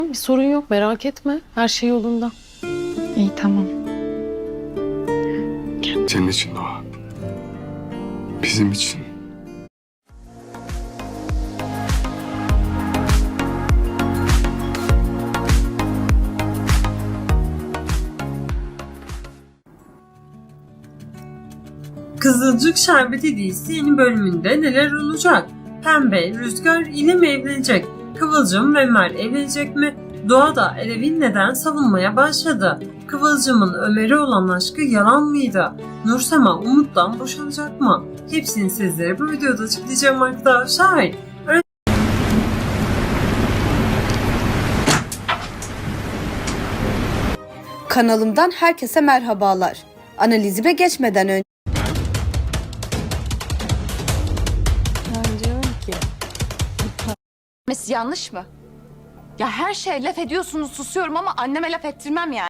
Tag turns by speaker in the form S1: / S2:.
S1: Bir sorun yok, merak etme. Her şey yolunda.
S2: İyi, tamam.
S3: Senin için Doğa. Bizim için.
S4: Kızılcık Şerbeti dizisi yeni bölümünde neler olacak? Pembe, Rüzgar ile mi evlenecek? Kıvılcım ve Ömer evlenecek mi? Doğa da Elif'i neden savunmaya başladı? Kıvılcım'ın Ömer'e olan aşkı yalan mıydı? Nursema Umut'tan boşanacak mı? Hepsini sizlere bu videoda açıklayacağım arkadaşlar.
S5: Kanalımdan herkese merhabalar. Analizime geçmeden önce
S2: Ben diyorum ki
S6: Yanlış mı? Ya her şeye laf ediyorsunuz, susuyorum ama anneme laf ettirmem yani.